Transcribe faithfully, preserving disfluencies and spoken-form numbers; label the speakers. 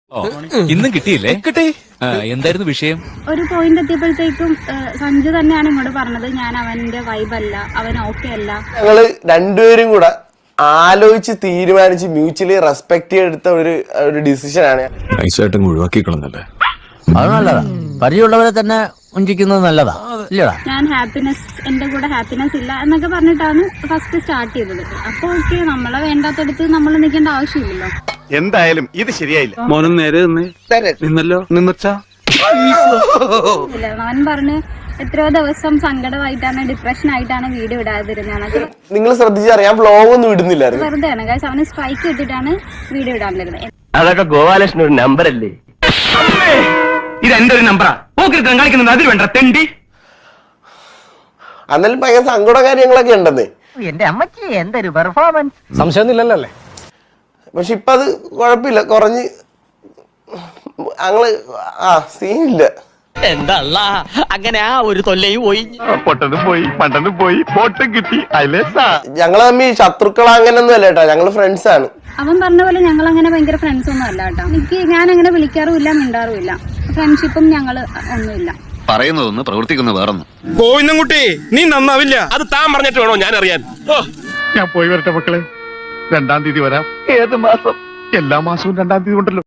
Speaker 1: ഇന്നും കിട്ടിയില്ലേ? കിട്ടി. എന്തായിരുന്നു വിഷയം?
Speaker 2: ഒരു പോയിന്റ് എത്തിയപ്പോഴത്തേക്കും സഞ്ജു തന്നെയാണ് ഇങ്ങോട്ട് പറഞ്ഞത് ഞാൻ അവന്റെ വൈബല്ല, അവൻ ഓക്കെ അല്ല.
Speaker 3: ഞങ്ങള് രണ്ടുപേരും കൂടെ ആലോചിച്ച് തീരുമാനിച്ച് മ്യൂച്വലി റെസ്പെക്ട് ചെയ്തെടുത്ത ഒരു ഒരു ഡിസിഷൻ ആണ്.
Speaker 4: നൈസായിട്ടും ഒഴിവാക്കിക്കളന്നല്ലേ?
Speaker 5: അത് നല്ലതാ. പരിചയമുള്ളവരെ തന്നെ ഉഞ്ചിക്കുന്നത് നല്ലതാ ഇല്ലടാ.
Speaker 2: ഞാൻ ഹാപ്പിനെസ് എന്റെ കൂടെ ഹാപ്പിനെസ് ഇല്ല എന്നൊക്കെ പറഞ്ഞിട്ടാണ് ഫസ്റ്റ് സ്റ്റാർട്ട് ചെയ്തത്. അപ്പൊ ഓക്കെ, നമ്മളെ വേണ്ടാത്തടുത്ത് നമ്മൾ നിൽക്കേണ്ട ആവശ്യമില്ലല്ലോ.
Speaker 6: എന്തായാലും ഇത് ശരിയായില്ല. മോനും നേരെ നിന്നല്ലോ നിന്നച്ചാ
Speaker 2: അവൻ പറഞ്ഞ് എത്രയോ ദിവസം സങ്കടമായിട്ടാണ് ഡിപ്രഷൻ ആയിട്ടാണ് വീഡിയോ ഇടാതിരുന്നത്.
Speaker 3: നിങ്ങൾ ശ്രദ്ധിച്ചറിയാം, വ്ലോഗ് ഒന്നും ഇടുന്നില്ലായിരുന്നു.
Speaker 2: വെറുതെ ആണ് ഗൈസ്, അവന് സ്ട്രൈക്ക് ഇട്ടിട്ടാണ് വീഡിയോ ഇടാണ്ടിരുന്നത്.
Speaker 7: അതൊക്കെ ഗോപാലകൃഷ്ണൻ ഒരു നമ്പർ അല്ലേ?
Speaker 1: ഇത് എന്റെ ഒരു നമ്പറാ. കളിക്കുന്നത് അതിൽ വേണ്ട തെണ്ടി.
Speaker 3: അന്നേരം ഭയങ്കര സങ്കട കാര്യങ്ങളൊക്കെ ഉണ്ടെന്നേ.
Speaker 7: എന്റെ അമ്മച്ചി എന്തൊരു പെർഫോമൻസ്.
Speaker 5: സംശയമൊന്നുമില്ലല്ലോ അല്ലേ?
Speaker 3: പക്ഷെ ഇപ്പൊ അത് കുഴപ്പമില്ല, കുറഞ്ഞ് ഞങ്ങള് ആ സീനില്ല.
Speaker 7: എന്താ അങ്ങനെ ആ ഒരു തൊല്ലയും പോയി.
Speaker 6: പൊട്ടനും പോയി പണ്ടനും പോയി പോട്ടും കിട്ടി.
Speaker 3: ഞങ്ങള് തമ്മിൽ ശത്രുക്കൾ അങ്ങനെയൊന്നും അല്ല കേട്ടോ, ഞങ്ങള് ഫ്രണ്ട്സ് ആണ്.
Speaker 2: അവൻ പറഞ്ഞ പോലെ ഞങ്ങൾ അങ്ങനെ ഭയങ്കര ഫ്രണ്ട്സ് ഒന്നും അല്ല കേട്ടോ. എനിക്ക് ഞാൻ അങ്ങനെ വിളിക്കാറുമില്ല, മിണ്ടാറുമില്ല. ഫ്രണ്ട്ഷിപ്പും ഞങ്ങള് ഒന്നുമില്ല.
Speaker 4: പറയുന്നതൊന്ന് പ്രവർത്തിക്കുന്ന വേറൊന്നും.
Speaker 6: കോയിന്നുംകുട്ടി നീ നന്നാവില്ല. അത് താൻ പറഞ്ഞിട്ട് വേണോ ഞാൻ അറിയാൻ? ഞാൻ പോയി വരട്ടെ മക്കളെ. രണ്ടാം തീയതി വരാം.
Speaker 7: ഏത് മാസം?
Speaker 6: എല്ലാ മാസവും രണ്ടാം തീയതി ഉണ്ടല്ലോ.